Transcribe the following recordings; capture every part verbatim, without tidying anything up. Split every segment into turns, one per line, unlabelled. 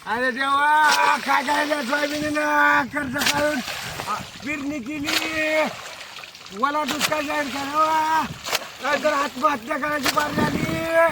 अरे देवा काय करायचं सोयाबीन कर्ज काढून पेरणी केली मला दुष्काळ जाहीर करावा नाहीतर आत्महत्या करायची बार झाली.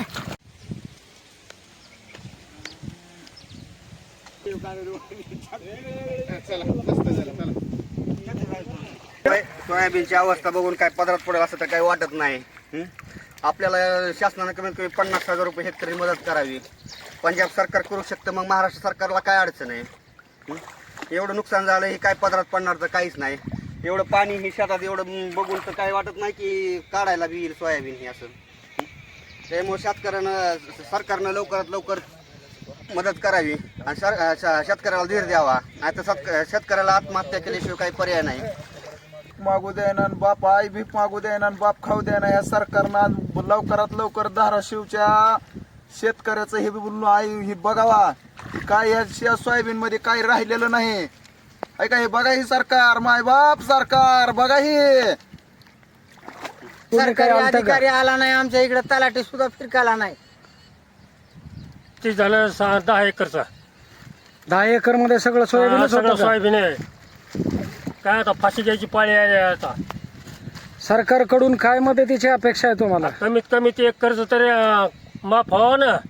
सोयाबीनची अवस्था बघून काय पदरात पडेल असं तर काही वाटत नाही. हं? आपल्याला शासनानं कमीत कमी पन्नास हजार रुपये हेक्टरी मदत करावी. पंजाब सरकार करू शकतं, मग महाराष्ट्र सरकारला काय अडचण आहे? हं? एवढं नुकसान झालं हे काय पदरात पडणार तर काहीच नाही. एवढं पाणी ही शेतात एवढं बघून तर काय वाटत नाही की काढायला बी येईल सोयाबीन हे असं. हं? त्यामुळे शेतकऱ्यानं सरकारनं लवकरात लवकर मदत करावी आणि सर शेतकऱ्याला धीर द्यावा, नाही तर शेतकऱ्याला आत्महत्या केल्याशिवाय काही पर्याय नाही.
मागू द्यायना बाप आई भीक मागू द्यायना बाप खाऊ द्यायना या सरकारनं लवकरात लवकर धाराशिवच्या शेतकऱ्याचं हे बोलून आई हे बघावा काय या सोयाबीन मध्ये काही राहिलेलं नाही. ऐका हे बघा ही सरकार माय बाप सरकार बघा ही
सरकारी अधिकारी आला नाही आमच्या इकडे तलाठी सुद्धा फिरकाला नाही.
ते झालं सहा दहा एकरचा
दहा एकर मध्ये सगळं सोयाबीन
सगळं सोयाबीन आहे. काय आता फाशी घ्यायची पाळी आहे आता.
सरकारकडून काय मदतीची अपेक्षा आहे तुम्हाला?
कमीत कमी ते एक कर्ज तरी अं, माफ व्हावं ना.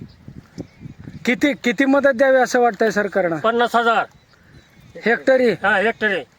किती किती मदत द्यावी असं वाटतंय सरकारनं?
पन्नास हजार
हेक्टरी
हा हेक्टरी